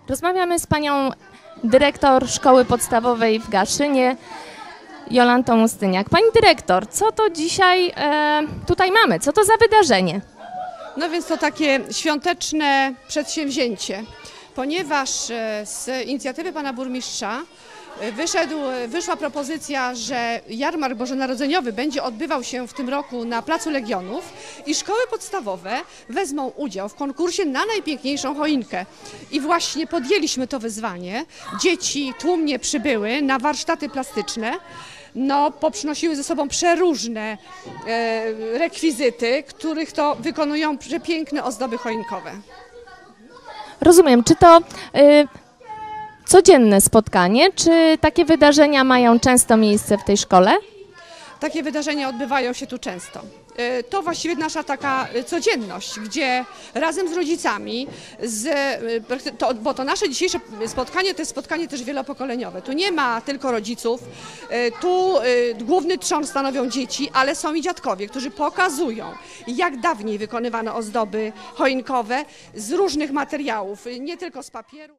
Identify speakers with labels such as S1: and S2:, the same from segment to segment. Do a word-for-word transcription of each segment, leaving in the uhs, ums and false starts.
S1: Rozmawiamy z panią dyrektor szkoły podstawowej w Gaszynie, Jolantą Ustyniak. Pani dyrektor, co to dzisiaj e, tutaj mamy? Co to za wydarzenie?
S2: No więc to takie świąteczne przedsięwzięcie, ponieważ z inicjatywy pana burmistrza wyszedł, wyszła propozycja, że jarmark bożonarodzeniowy będzie odbywał się w tym roku na Placu Legionów i szkoły podstawowe wezmą udział w konkursie na najpiękniejszą choinkę. I właśnie podjęliśmy to wyzwanie. Dzieci tłumnie przybyły na warsztaty plastyczne. No, poprzynosiły ze sobą przeróżne e, rekwizyty, których to wykonują przepiękne ozdoby choinkowe.
S1: Rozumiem, czy to y, codzienne spotkanie, czy takie wydarzenia mają często miejsce w tej szkole?
S2: Takie wydarzenia odbywają się tu często. To właściwie nasza taka codzienność, gdzie razem z rodzicami, z, to, bo to nasze dzisiejsze spotkanie to jest spotkanie też wielopokoleniowe. Tu nie ma tylko rodziców, tu główny trzon stanowią dzieci, ale są i dziadkowie, którzy pokazują, jak dawniej wykonywano ozdoby choinkowe z różnych materiałów, nie tylko z papieru.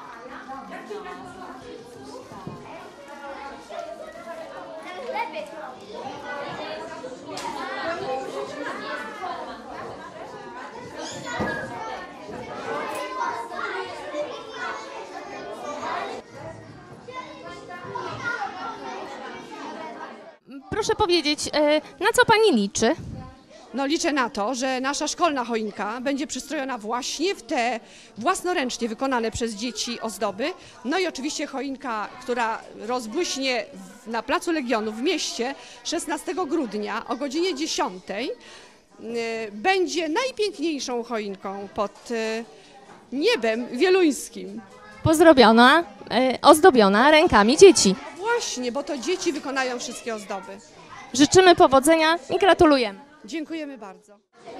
S1: Proszę powiedzieć, na co pani liczy?
S2: No liczę na to, że nasza szkolna choinka będzie przystrojona właśnie w te własnoręcznie wykonane przez dzieci ozdoby. No i oczywiście choinka, która rozbłyśnie na Placu Legionów w mieście szesnastego grudnia o godzinie dziesiątej będzie najpiękniejszą choinką pod niebem wieluńskim.
S1: Pozdrobiona, ozdobiona rękami dzieci.
S2: Właśnie, bo to dzieci wykonają wszystkie ozdoby.
S1: Życzymy powodzenia i gratulujemy.
S2: Dziękujemy bardzo.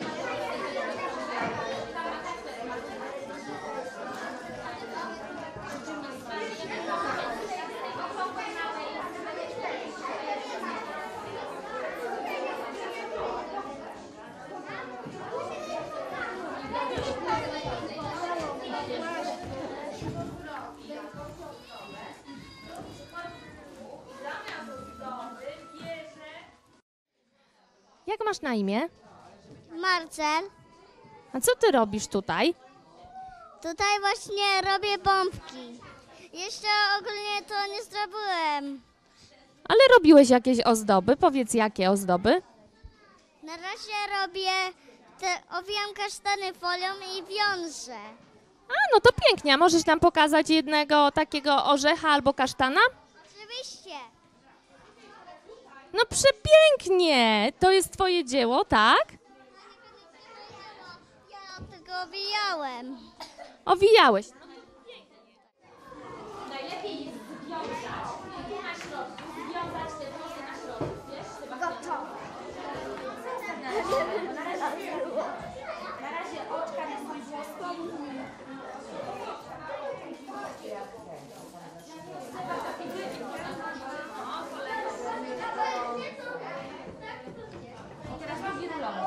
S1: Jak masz na imię?
S3: Marcel,
S1: A co ty robisz tutaj?
S3: tutaj właśnie robię bombki. Jeszcze ogólnie to nie zrobiłem.
S1: Ale robiłeś jakieś ozdoby? Powiedz, jakie ozdoby?
S3: Na razie robię, te, owijam kasztany folią i wiążę.
S1: A, no to pięknie. A możesz nam pokazać jednego takiego orzecha albo kasztana?
S3: Oczywiście.
S1: No przepięknie! To jest twoje dzieło, tak?
S3: Ja tego owijałem.
S1: Owijałeś.
S4: Najlepiej jest związać i tu na środku, związać te włosy na środku, wiesz? Gotowe. Na razie, na razie oczka na swój włosku. I teraz mam wirulować.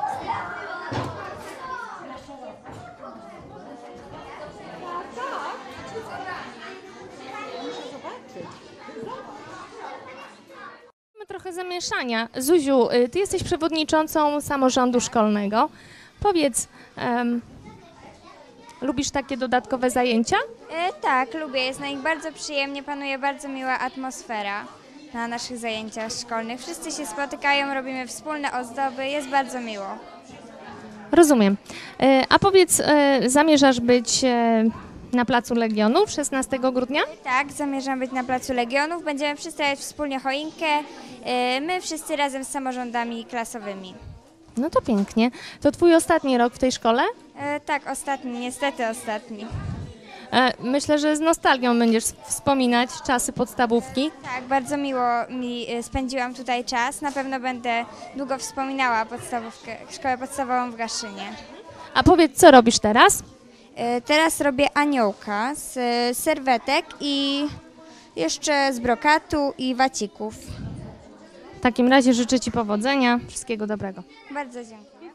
S1: Mamy trochę zamieszania. Zuziu, y, ty jesteś przewodniczącą samorządu szkolnego. Powiedz, em, lubisz takie dodatkowe zajęcia?
S5: E, tak, lubię. Jest na nich bardzo przyjemnie, panuje bardzo miła atmosfera na naszych zajęciach szkolnych. Wszyscy się spotykają, robimy wspólne ozdoby, jest bardzo miło.
S1: Rozumiem. E, a powiedz, e, zamierzasz być e, na Placu Legionów szesnastego grudnia?
S5: Tak, zamierzam być na Placu Legionów, będziemy przystawiać wspólnie choinkę, e, my wszyscy razem z samorządami klasowymi.
S1: No to pięknie. To twój ostatni rok w tej szkole?
S5: E, tak, ostatni, niestety ostatni.
S1: E, myślę, że z nostalgią będziesz wspominać czasy podstawówki.
S5: Tak, bardzo miło mi e, spędziłam tutaj czas, na pewno będę długo wspominała podstawówkę, szkołę podstawową w Gaszynie.
S1: A powiedz, co robisz teraz?
S5: E, Teraz robię aniołka z e, serwetek i jeszcze z brokatu i wacików.
S1: W takim razie życzę ci powodzenia, wszystkiego dobrego.
S5: Bardzo dziękuję.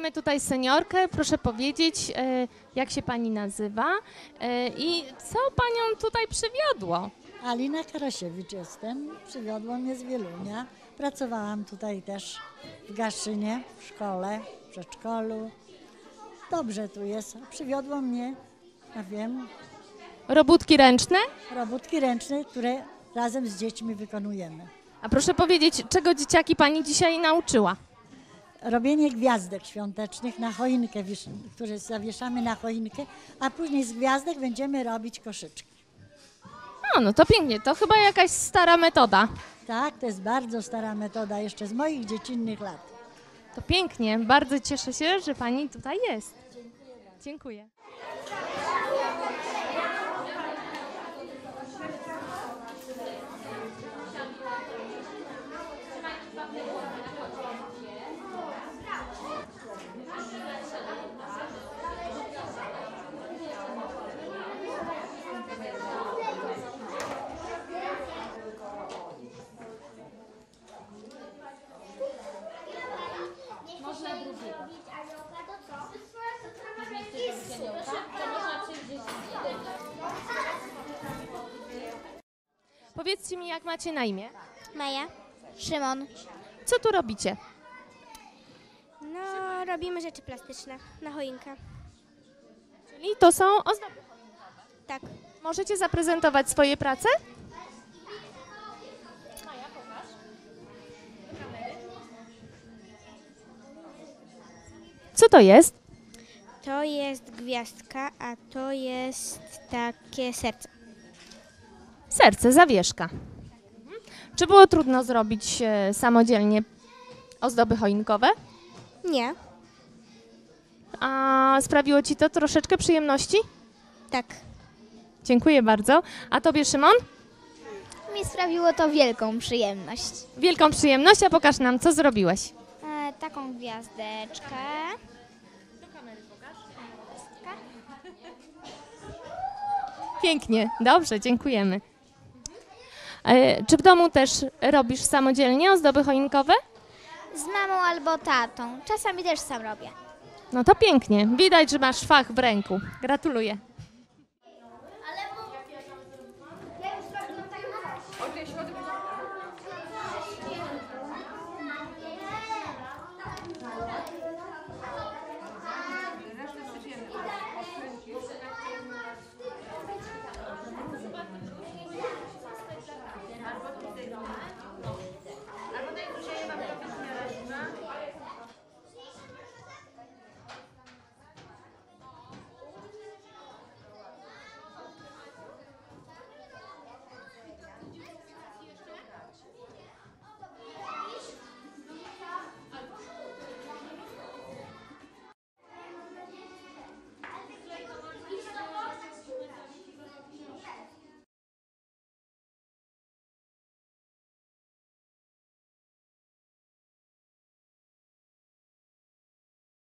S1: mamy tutaj seniorkę. Proszę powiedzieć, e, jak się pani nazywa e, i co panią tutaj przywiodło?
S6: Alina Karasiewicz jestem, przywiodło mnie z Wielunia. Pracowałam tutaj też w Gaszynie, w szkole, w przedszkolu. Dobrze tu jest, przywiodło mnie, ja wiem,
S1: Robótki ręczne?
S6: robótki ręczne, które razem z dziećmi wykonujemy.
S1: A proszę powiedzieć, czego dzieciaki pani dzisiaj nauczyła?
S6: Robienie gwiazdek świątecznych na choinkę, wisz- które zawieszamy na choinkę, a później z gwiazdek będziemy robić koszyczki.
S1: No, no to pięknie, to chyba jakaś stara metoda.
S6: Tak, to jest bardzo stara metoda, jeszcze z moich dziecinnych lat.
S1: To pięknie, bardzo cieszę się, że pani tutaj jest. Dziękuję. Powiedzcie mi, jak macie na imię?
S3: Maja. Szymon.
S1: Co tu robicie?
S3: No, robimy rzeczy plastyczne na choinkę.
S1: Czyli to są ozdoby.
S3: Tak.
S1: Możecie zaprezentować swoje prace? Co to jest?
S3: To jest gwiazdka, a to jest takie serce.
S1: Serce, zawieszka. Mhm. Czy było trudno zrobić e, samodzielnie ozdoby choinkowe?
S3: Nie.
S1: A sprawiło ci to troszeczkę przyjemności?
S3: Tak.
S1: Dziękuję bardzo. A tobie, Szymon?
S3: Mi sprawiło to wielką przyjemność.
S1: Wielką przyjemność, a pokaż nam, co zrobiłeś.
S3: E, taką gwiazdeczkę.
S1: Pięknie, dobrze, dziękujemy. E, czy w domu też robisz samodzielnie ozdoby choinkowe?
S3: Z mamą albo tatą. Czasami też sam robię.
S1: No to pięknie. Widać, że masz fach w ręku. Gratuluję.